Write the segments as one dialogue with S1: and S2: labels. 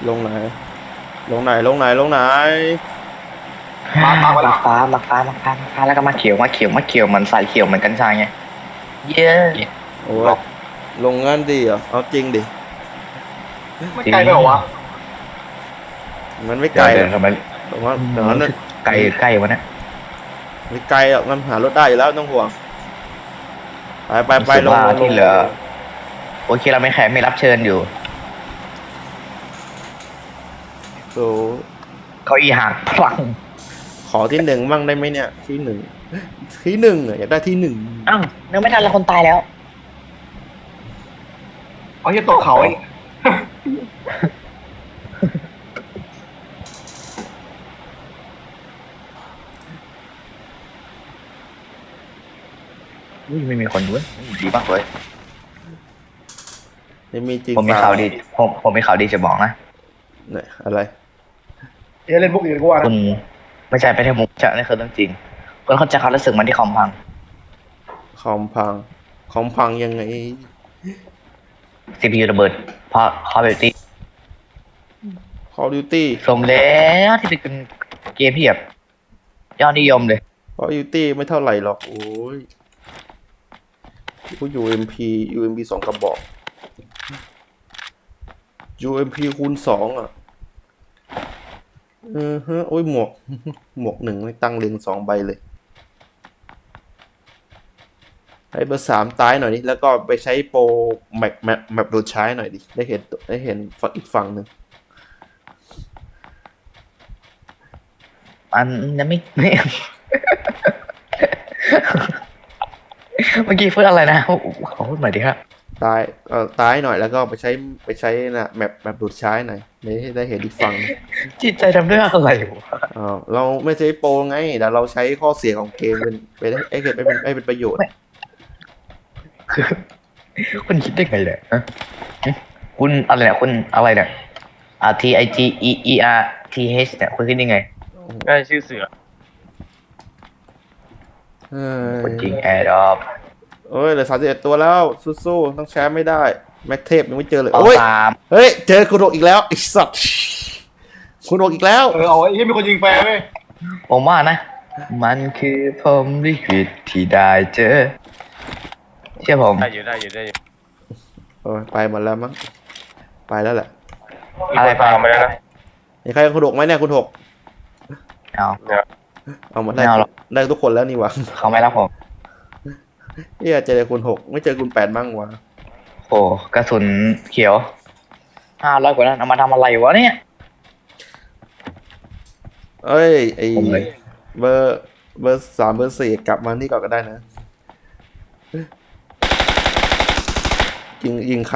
S1: ลงไหนลงไหนลงไหนลงไหน
S2: มาฟ้าแล้วก็มาเขียวเหมือนสายเขียวเหมือนกัญชาไงเย้
S1: โอ้ยลงงั้นดีเหรอเอาจริงดิ
S3: ไม่ไกลไปเหรอวะ
S1: มันไม่ไกล
S2: เดี๋ยวทำไม
S1: แต่ว่าแต่ว่านั้น
S2: ไกลวะเนี่ย
S1: ไม่ไกลหรอกมันหารถได้อยู่แล้วต้องห่วงไปลง
S2: ที่เหลือโอเคเราไม่แขกไม่รับเชิญอยู่
S1: โอ้
S2: เขาอีหักพลัง
S1: ขอที่หนึ่งบ้างได้ไหมเนี่ยที่หนึ่งอะอยากได้ที่หนึ่ง
S2: อ้าวนึกไม่ทันแล้วคนตายแล้ว
S3: เอาจะตกเขาอีก
S2: ไม่มีคนด้วยดีมากเลย
S1: ไม่มีจริง
S2: ผมมีข่าวดีผมมีข่าวดีจะบอกนะ
S1: เนี่ยอะไร
S3: เดี๋ยวเล่นพวกอื่นกูว่า
S2: คุณไม่ใช่ไปเที่ยวมุกจะนี่คือเรื่องจริงคุณเข้าใจความรู้สึกมันที่คอมพัง
S1: คอมพังยังไง
S2: CPU ระเบิดเพราะ Call of Duty
S1: Call of Duty
S2: สมแล้วที่เป็นเกมที่แบบยอดนิยมเลย
S1: Call of Duty ไม่เท่าไหร่หรอกโอ้ยUMP สองกระบอก UMP คูณ 2อ่ะโอ้ยหมวกหนึ่งไม่ตั้งเรียง2 ใบเลยให้เบอร์ 3ตายหน่อยดิแล้วก็ไปใช้โปรแมปโดดใช้หน่อยดิได้เห็นฝั่งอีกฝั่งหนึ่ง
S2: มันยังไม่ เมื่อกี้พูดอะไรนะขอพูดใหม่ดิครับ
S1: ตายหน่อยแล้วก็ไปใช้นะแมปดูดใช้หน่อยได้เห็นอีกฝั่ง
S2: จิตใจทำด้วยอะไรวะ
S1: เราไม่ใช้โปรไงแต่เราใช้ข้อเสียของเกมไปได้เป็นประโยชน์
S2: คุณคิดได้ไงเนี่ยฮะคุณอะไรเนี่ยคุณอะไรเนี่ยTIGEERTH เนี่ยคุณคิดได้ไง
S4: ได้ชื่อเสือ
S2: คนจริงแอร์ดอป
S1: เอ้ยเหลือ31 ตัวแล้วสู้ๆต้องแชมป์ไม่ได้แม็กเทพยังไม่เจอเลย
S2: เอา
S1: โอ้ย
S2: ตาม
S1: เฮ้ยเจอคุณโอกอีกแล้วไอ้สัตว์คุณโอกอีกแล้ว
S3: เอาไอ้ที่มีคนยิงแฟร์เว้ย
S2: ผมว่านะ มันคือผมลิขิตที่ได้เจอเชื่อผม
S4: ได้อยู่
S1: โอ้ยไปหมดแล้วมั้งไปแล้วแหละ
S4: มีคนตามมาแล้วนะ
S1: มีใครคุณโอกไหมเนี่ยคุณโอก
S2: เอา
S4: เนี่ย
S1: เอามาได้
S2: ไม่เอาหรอก
S1: ได้ทุกคนแล้วนี่หวะ
S2: เขาไม่รับผม
S1: เเจอคุณ6ไม่เจอคุณ8มั่งวะ
S2: โอ้กระสุนเขียว500 กว่านั้นเอามาทำอะไรวะเนี่ย
S1: เอ้ยไอ
S2: ผมเลย
S1: เบอร์ 3เบอร์ 4กลับมานี่ก่อนก็ได้นะยิงใคร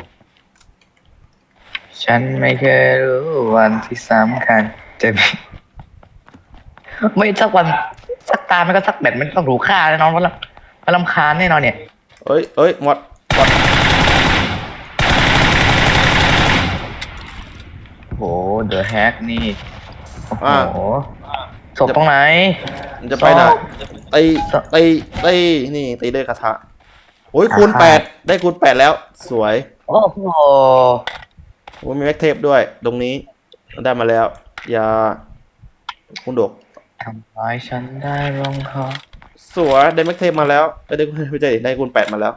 S2: ฉันไม่เคยรู้วันที่สำคัญจะมี ไม่สักวันสักตามันก็สักแบบมันต้องรู้ค่าแน่นอนว่าลำคาญแน่นอนเนี่ย
S1: เอ้ยหมด
S2: โหเดอะแฮกนี่โอ้โห
S1: อ่ะ
S2: ศพตรงไหน
S1: มันจะไปไหนตีนี่ตีด้วยกระทะโอ้ยคูณ 8ได้คูณ 8แล้วสวย
S2: โอ้โห
S1: โอ้ยมีแม็กเทปด้วยตรงนี้ได้มาแล้วยาคุณดก
S2: ทำร้ายฉันได้ลงคอ
S1: สวยได้แม็กเทปมาแล้วได้ไม่ใช่ได้คูณ 8มาแล้ว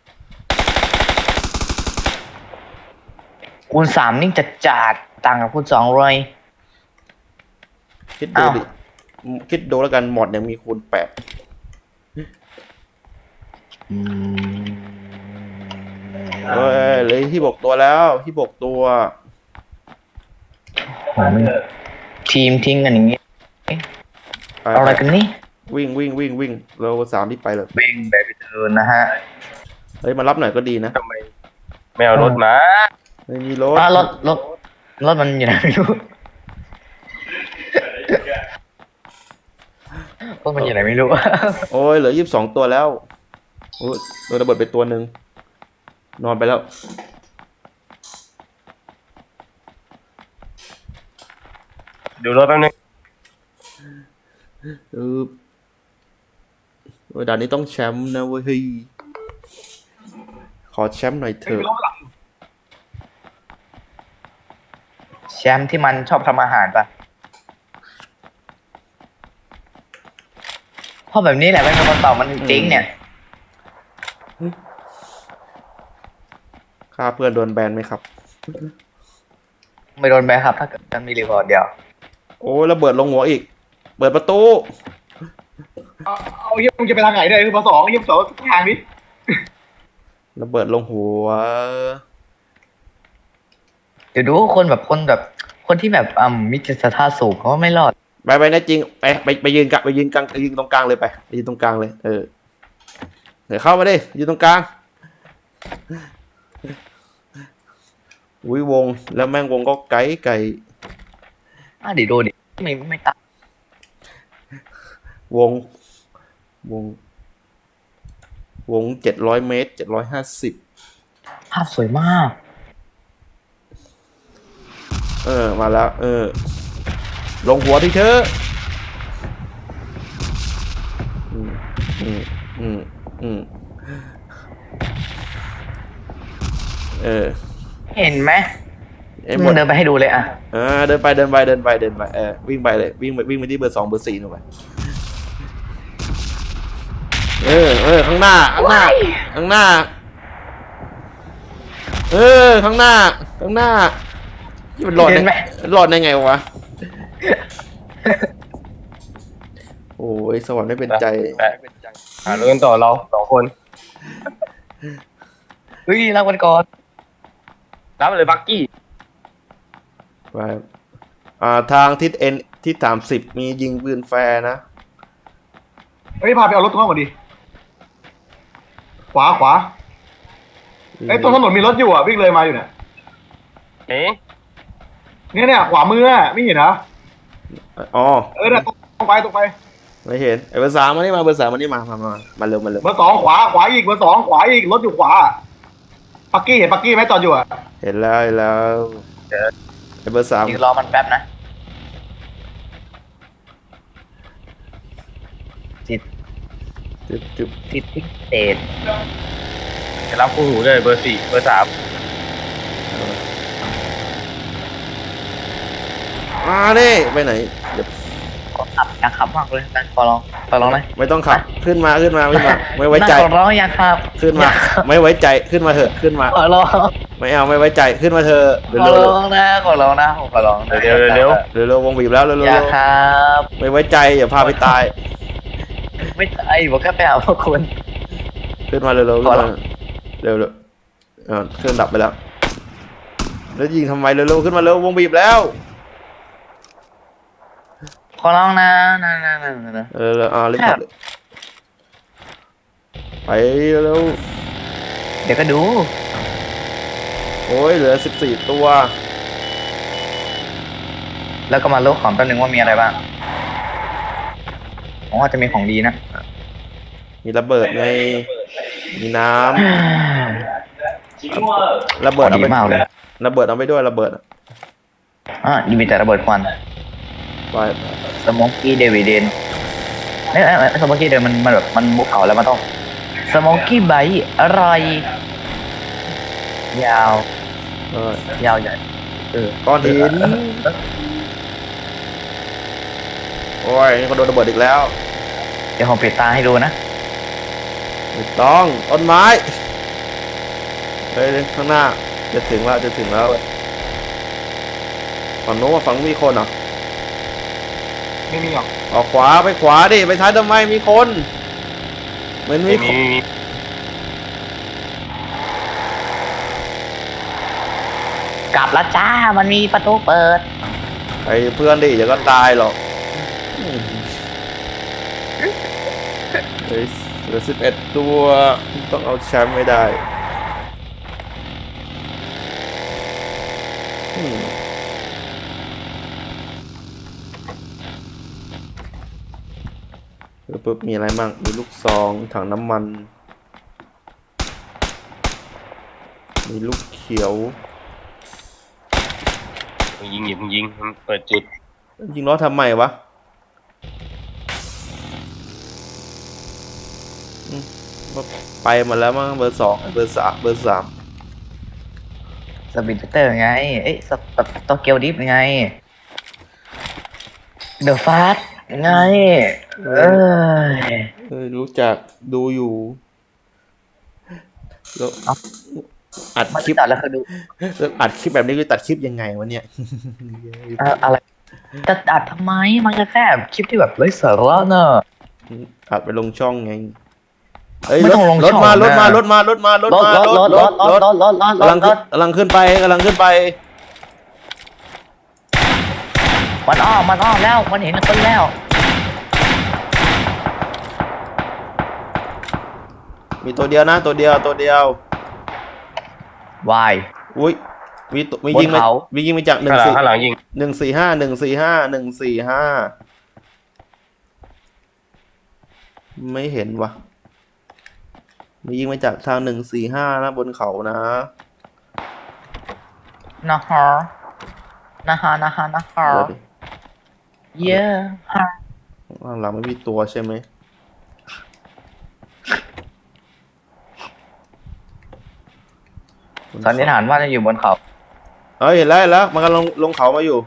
S2: คูณ 3นี่จะจัดต่างกับคูณ2เลย
S1: คิดดูดิคิดดูแล้วกันหมดยังมีคูณ 8เอ้ยเลยที่บกตัวแล้วที่บกตัว
S2: ทีมทิ้งกันอย่างนี้
S1: ไป
S2: เอาอะไรกันนี่
S1: วิ่งเรา3ที่ไปเลย
S2: เบ่งแบบเดินนะฮะ
S1: เฮ้ยมารับหน่อยก็ดีนะ
S4: ทำไมไม่เอารถมา
S1: ไม่มีรถ
S2: รถมันอยู่ไหนไม่รู้รถมันอยู่ไหนไม่รู้
S1: โอ้ยเหลือ22 ตัวแล้วโอ้ยโดนระเบิดไปตัวหนึ่งนอนไปแล้ว
S4: ดูรถแป๊บนึง
S1: โอ้ยด่านนี้ต้องแชมป์นะเว้ยเฮ้ยขอแชมป์หน่อยเถอะ
S2: แชมป์ที่มันชอบทำอาหารปะเพราะแบบนี้แหละไม่มีคนตอบมันจริงๆเนี่ย
S1: ฆ่าเพื่อนโดนแบนไหมครับ
S2: ไม่โดนแบนครับ ถ้าเกิดมันมีรีพอร์ตเดียว
S1: โอ้ยระเบิดลงหัวอีก เปิดประตู
S3: เอาเฮียมึงจะไปทางไหนได้คือมาสองเฮียสองทางนี้
S1: ระเบิดลงหัว
S2: เดี๋ยวดูคนที่แบบมิจิตศรัทธาสูงเขาไม่รอด
S1: ไปนะจริงไปยืนกะไปยืนกลางไปยืนตรงกลางเลยไปยืนตรงกลางเลยเดี๋ยวเข้ามาดิยืนตรงกลางอุ้ยวงแล้วแม่งวงก็ไกล
S2: ดิดูดิไม่ตายว
S1: ง700 เมตร750
S2: ภาพสวยมาก
S1: มาแล้วลงหัวที่เธอ
S2: เห็นไหม
S1: หมด
S2: เดินไปให้ดูเลยอ่ะ
S1: เดินไปวิ่งไปเลยวิ่งไปที่เบอร์ 2เบอร์ 4หน่อยข้างหน้าข้างหน้าข้างหน้าที่มันหลอด
S2: เห็นไหม
S1: หลอดได้ไงวะโอ้ยสวรรค์ไม่เป็นใจ
S4: หาเรื่องต่อเรา2 คน
S2: เฮ้ยรักวันก่อน
S4: รับเลยบักกี้
S1: ไปทางทิศเอ็นที่30มียิงปืนแฟร์นะ
S3: เฮ้ยพาไปเอารถตรงนั้นก่อนดิขวาไอ้ตรงถนนมีรถอยู่อ่ะวิ่งเลยมาอยู่เนี่ย
S4: เอ๊ะ
S3: เนี่ยขวามืออ่ะไม่เห็นเหรอ
S1: อ๋อ
S3: เนี่ยตรงไป
S1: ไม่เห็นไอ้เบอร์ 3มานี่มาเบอร์ 3มานี่มาเร็ว
S3: เบอร์สองขวาอีกเบอร์สองขวาอีกรถอยู่ขวาปักกี้เห็นปักกี้ไหมจอดอยู่อ่ะ
S1: เห็นแล้วไอ้เบอร์
S2: อีกรอมันแป๊บนะจิต
S1: 3จุ๊บ
S2: จิตพิเศษ
S4: จะรับคู่หูเลยเบอร์ 4 เบอร์ 3
S1: นี่ไปไหนเดี๋ยว
S2: อยากขับมากเลยนะขอลองนะ
S1: ไม่ต้องขับขึ้นมาไม่ไว้ใจ
S2: ขอร้องอยากขับ
S1: ขึ้นมาไม่ไว้ใจขึ้นมาเถอะขึ้นมา
S2: ขอร้อง
S1: ไม่เอาไม่ไว้ใจขึ้นมาเถอะ
S2: ขอร้องนะขอร้องนะ
S4: เร็ว
S1: วงบีบแล้วเร็ว
S2: อยากขับ
S1: ไม่ไว้ใจอย่าพาไปตาย
S2: ไม่ใช่บอกแค่ไปหาพวกคุณ
S1: ขึ้นมาเร็ว
S2: ขอร้อง
S1: เร็วเครื่องดับไปแล้วยิงทำไมเร็วขึ้นมาเร็ววงบีบแล้ว
S2: ขอร้องนะ
S1: รีบขับเลยไปเร็ว
S2: เดี๋ยวก็ดู
S1: โอ้ยเหลือ14 ตัว
S2: แล้วก็มาลูกของแป๊บนึงว่ามีอะไรบ้างผมว่าจะมีของดีนะ
S1: มีระเบิดไงมีน้ำระเบิดเอา
S2: ดี
S1: ไป
S2: มากเลย
S1: ระเบิดเอาไปด้วยระเบิด
S2: นี่มีแต่ระเบิดควัน
S1: ไป
S2: สโมกกี้เดวิดเดนสโมกกี้เดนมันแบบมันบุกเขาแล้วมันต้องสโมกกี้ไบต์อะไรยาว ยาวใหญ่
S1: ก้อนหินโอ้ยนี่ก็โดนระเบิดอีกแล้ว
S2: เดี๋ยวผมปิดตาให้ดูนะ
S1: ไม่ต้องต้นไม้เฮ้ยข้างหน้าจะถึงแล้วฝั่งโน้นฝั่งมีคนเหรอ
S3: ไม่มีหรอก
S1: ออกขวาไปขวาดิไปซ้ายทำไมมีคนเหมือนมีคน
S2: กลับแล้วจ้ามันมีประตูเปิด
S1: ไอ้เพื่อนดิเดี๋ยวก็ตายหรอกเฮ้ยเหลือ11 ตัวต้องเอาแชมป์ไม่ได้ปุ๊บมีอะไรบ้างมีลูกซองถังน้ำมันมีลูกเขียว
S4: ยิงมันเปิดจุด
S1: ยิงล้อทำไมวะไปหมดแล้วมั้งเบอร์ 2เบอร์ 3
S2: สบินเตอร์ไงเอ้ยโตเกียวดิฟไงเดอะฟาสไงเอ้ย
S1: รู้จักดูอยู่แล้ว
S2: เอ้า
S1: อัด
S2: มา
S1: คลิป
S2: ตัดแล้วคือดู
S1: แล้วอัดคลิปแบบนี้ก็ตัดคลิปยังไงวะเนี่ย
S2: อะไรจะตัดทำไมมันก็แค่คลิปที่แบบไร้สาระเนอะ
S1: อัดไปลงช่องไงเอ้ย
S2: ไม่ต้องลงช่อง
S1: รถมาร
S2: นะ
S1: ถมารถมารถมารถ
S2: รถ
S1: มาร
S2: ถรถรถรถรถรถรถ
S1: กำลัง
S2: รถ
S1: กำลังขึ้นไปกำลังขึ้นไป
S2: มันอ้อมแล้วมันเห็นคนแล้ว
S1: มีตัวเดียวนะตัวเดียว
S2: วาย
S1: อุ้ยมี
S2: บน
S1: ยิงมา
S2: เขา
S1: มียิงมาจาก
S4: ข้างหลังยิง
S1: 145ไม่เห็นวะมียิงมาจากทาง145นะบนเขานะ
S2: นะฮะเย้ฮะ
S1: ข้างหลังไม่มีตัวใช่ไหม
S2: สันนิษฐานว่าจะอยู่บนเขา
S1: เฮ้ยเห็นแล้วมันกำลังลงเขามาอยู่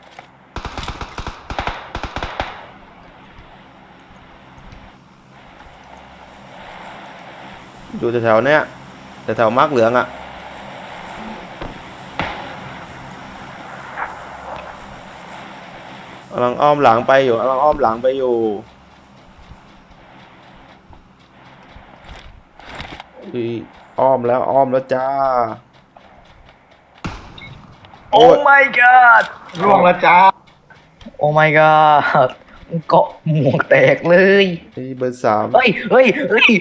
S1: แถวๆเนี้ยแถวมาร์กเหลืองอ่ะกำลังอ้อมหลังไปอยู่อ้อมแล้วจ้า
S2: โอ้ my god
S3: ร่วงแล้วจ้า
S2: โอ้ my god เกาะหมวกแตกเลย
S1: เบอร์3
S2: เฮ้ย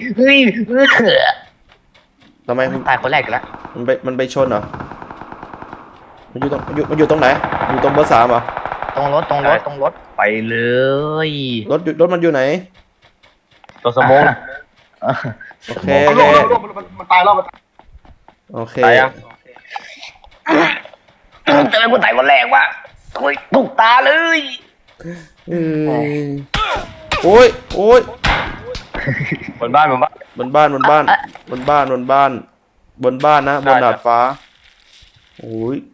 S1: ทำไม
S2: ตายคนแรกอีกแล้ว
S1: มันไปชนเหรอมันอยู่ตรงไหนอยู่ตรงเบอร์3เหรอ
S2: ตรงรถไปเลย
S1: รถมันอยู่ไหน
S4: ตัวสมอง
S1: โอเค
S3: มันตายแล้วมัน
S1: โอเค
S4: ตายยัง
S2: จะเป็นคนตายคนแรกวะถูกตาเลย
S1: โอ้ย
S4: บนบ้าน
S1: บนบ้านนะบนดาดฟ้าโอ้ย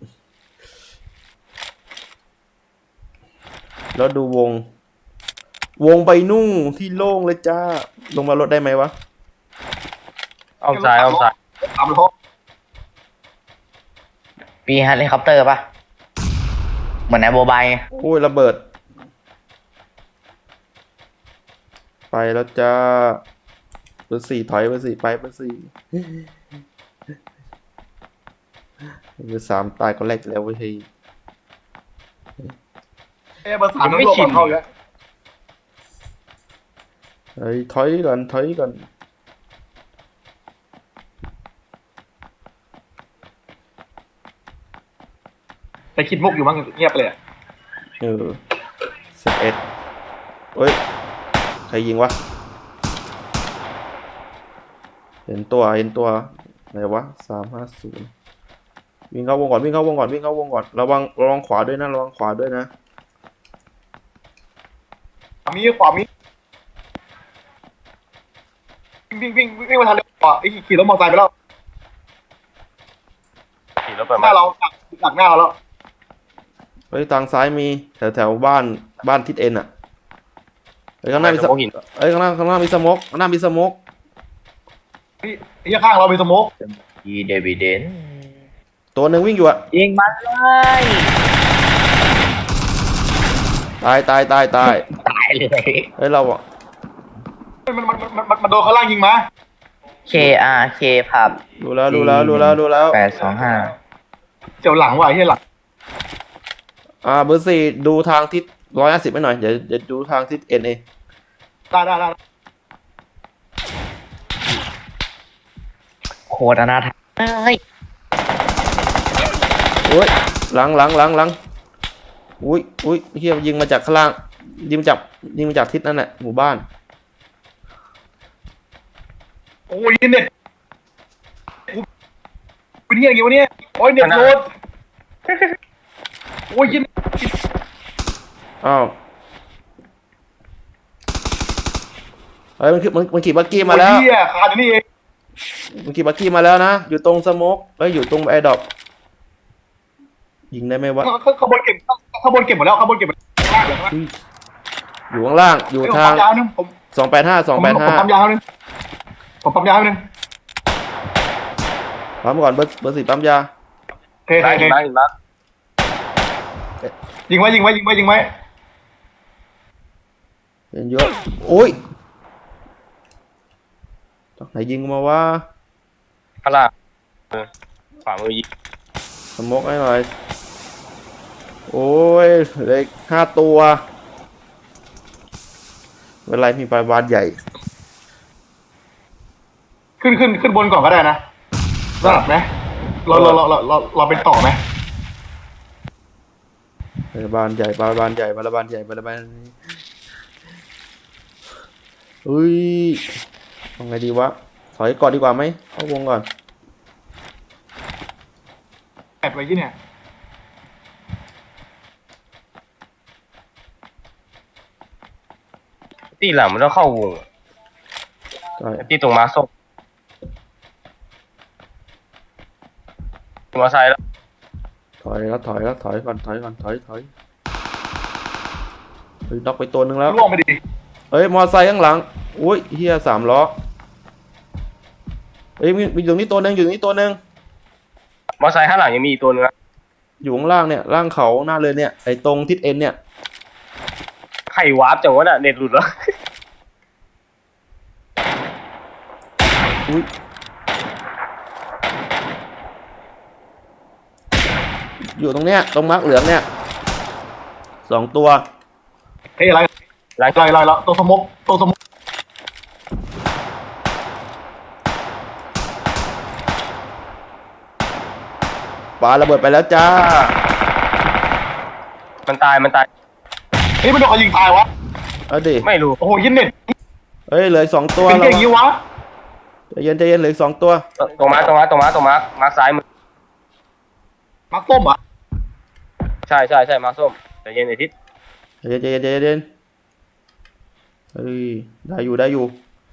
S1: แล้วดูวงไปนู่นที่โล่งเลยจ้าลงมารถได้ไหมวะ
S4: อ้อมซ้าย
S3: ตามรถ
S2: ปีเฮลิคอปเตอร์ปะเหมือนไอโบบายไง
S1: โอ้ยระเบิดไปแล้วจ้าเบอร์ 4ถอยเบอร์ 4ไปเบอร์ 4เบอร์ 3ตายก็แรกแล้วเว้ย
S3: เบอร์3มันร่วงเข้าอยู่แล้ว
S1: เฮ้ยถอยก่อน
S3: ไปคิดมุกอยู่มั้งเงียบเลย
S1: 11เฮ้ยใครยิงวะเห็นตัวไหนวะ350วิ่งเข้าวงก่อนระวังขวาด้วยนะ
S3: มีขวามีวิ่งมาทางเร็วกว่าไอ้ขี่รถมอเตอร์ไซค์ไปแล้ว
S4: ขี่รถไป
S3: หน้าเราหลังหน้าเราแล้ว
S1: เฮ้ยทางซ้ายมีแถวบ้านทิศเอ็นอ่ะเฮ้ยข้างหน้ามีสโมกข้างหน้ามีสโมก
S3: ไอ้ข้างเรามีสโมก
S2: อีเดวิเดน
S1: ตัวหนึ่งวิ่งอยู่อ่ะ
S2: ยิงมันเลย
S1: ตาย
S2: ตายเลย
S1: เฮ้ยเราอ่ะ
S3: มันโดนข้างล่างยิงมา
S2: KRK ผับ
S1: ดูแล้ว
S2: 825
S3: เจียวหลังว่ะไอ้หลัง
S1: เบอร์ 4ดูทางทิศ150ให้หน่อยเดี๋ยวดูทางทิศเอ็นเอง
S3: ได้
S2: โคตรอนาถเฮ้ย
S1: โอ้ยหลังอุ้ยเฮียยิงมาจากข้างล่างยิงมาจากทิศนั่นแหละหมู่บ้าน
S3: โอ้ยเน็ตเป็นยังไงวะเนี่ยโอ้ยเน็ตโหลดโอ้ยยิน
S1: อ้าวเฮ้ยมันขี่บักกี้มาแล้ว
S3: โอ้ยเหี้ยขาดอยู่นี่เอง
S1: มันขี่บักกี้มาแล้วนะอยู่ตรงสโมกอยู่ตรงแอร์ดรอปยิงได้ไหมวะ
S3: ข้างบนเก็บข้างบนเก็บหมดแล้วข้างบนเก็บหมดแล้ว
S1: อยู่ข้างล่างอยู่
S3: ผม
S1: ทาง
S3: ปั๊มยาวนึงผม
S1: 285
S3: ผมปั๊มยาวนึงผมปั๊มยาวนึง
S1: ปั๊มก่อนเบอร์สี่ปั๊มยา
S3: โอเค
S4: ได้
S3: โอเค
S4: ได้ได้
S3: ยิงไว้ยิงไว้ยิงไว้ยิงไว้
S1: เป็นเยอะโอ้ยจากไหนยิงมาวะ
S4: ข้างล่างขวามือยิง
S1: สโมกให้หน่อยโอ้ยเหล็ก5 ตัวเวลามีปลาบานใหญ่
S3: ขึ้นบนก่อนก็ได้นะสลับไหมเราเป็นต่อไหม
S1: ปลาบานใหญ่ปลาบานใหญ่ปลาบานใหญ่ปลาบานอุ้ยทำไงดีวะถอยก่อนดีกว่าไหมเข้าวงก่อน
S3: แอบไว้ที่เนี่ย
S4: ตีหลังมันต้องเข้าวง
S1: ใช่
S4: ตีตรงมาส้มมอไซค์แล้ว
S1: ถอยก่อนถอยเฮ้ยน็อกไปตัวหนึ่งแล้ว
S3: ล่วงไปดิ
S1: เฮ้ยมอไซค์ข้างหลังอุ้ยเฮีย3 ล้อเฮ้ยมีอยู่ตรงนี้ตัวหนึ่งอยู่ตรงนี้ตัวหนึ่ง
S4: มอไซค์ข้างหลังยังมีอีกตัวนึงนะ
S1: อยู่ข้างล่างเนี่ยล่างเขาหน้าเลยเนี่ยไอ้ตรงทิศเอ็นเนี่ย
S4: ไข่วาร์ปจังวะน่ะเน็ตหลุดแล้ว
S1: อุ้ยอยู่ตรงเนี้ยตรงมาร์กเหลืองเนี่ย2 ตัว
S3: เฮ้ยอะไรแล้วตัวสมก
S1: ปาระเบิดไปแล้วจ้า
S4: มันตาย
S3: เฮ้ยมันโดนเขายิงตายวะ
S1: เอาดิ
S4: ไม่รู้
S3: โอ้โหยิงเน็ต
S1: เฮ้ยเหลืออก2 ตัว
S3: เป็น
S1: แล้ว
S3: อย่างนี้วะ
S1: ใจเย็นเหลืออก2 ตัว
S4: ตรงมามาซ้ายมือ
S3: มักต้มอ่ะ
S4: ใช่มาส้มแต่เย็นไอทิศ
S1: ใจเย็นเฮ้ยได้อยู่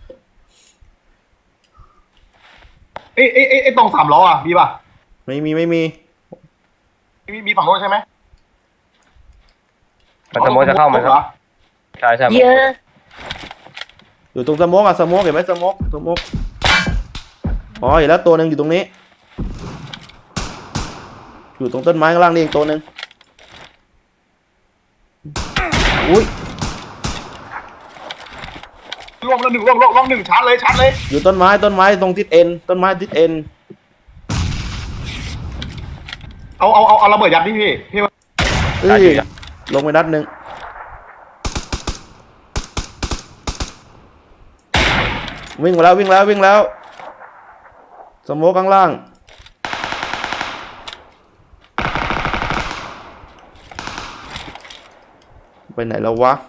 S3: ไอ้ตรง3 ล้ออ่ะมีป่ะ
S1: ไม่มี
S3: มีฝั่งโน้นใช่ไหม
S4: มันสมมติจะเข้ามันครับใช่
S2: เยอะ
S1: อยู่ตรงสโมกอะสโมกเห็นไหมสโมกอ๋อเห็นแล้วตัวหนึ่งอยู่ตรงนี้ อยู่ตรงต้นไม้ข้างล่างนี่เองตัวหนึ่งอุ้ย
S3: ล่วงแล้วหนึ่งชาร์จเลย
S1: อยู่ต้นไม้ตรงทิศเอ็นต้นไม้ทิศเอ็น
S3: เอาระเบิดยัดดิพี่ว่า
S1: เอ้ยลงไปนัดหนึ่งวิ่งแล้วสโมกข้างล่างไปไหนแล้ววะ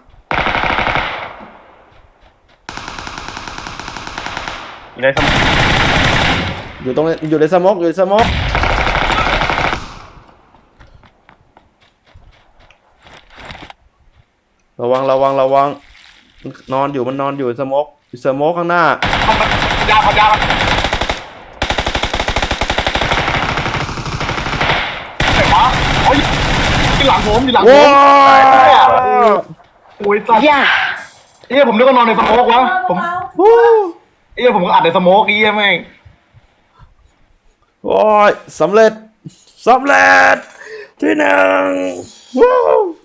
S4: อยู่ในสมอง
S1: อยู่ในสโมกระวังนอนอยู่สโมกข้างหน้า
S3: ยาวไหนวะโอ้ยอยู่หลังผม
S1: ว้าว
S3: โอ้ยสัตว์
S2: ย่า
S3: ผมนึกว่านอนในสโมกวะผมก็อัดในสโมกแม่ง
S1: โอ้ยสำเร็จที่ 1ว้าว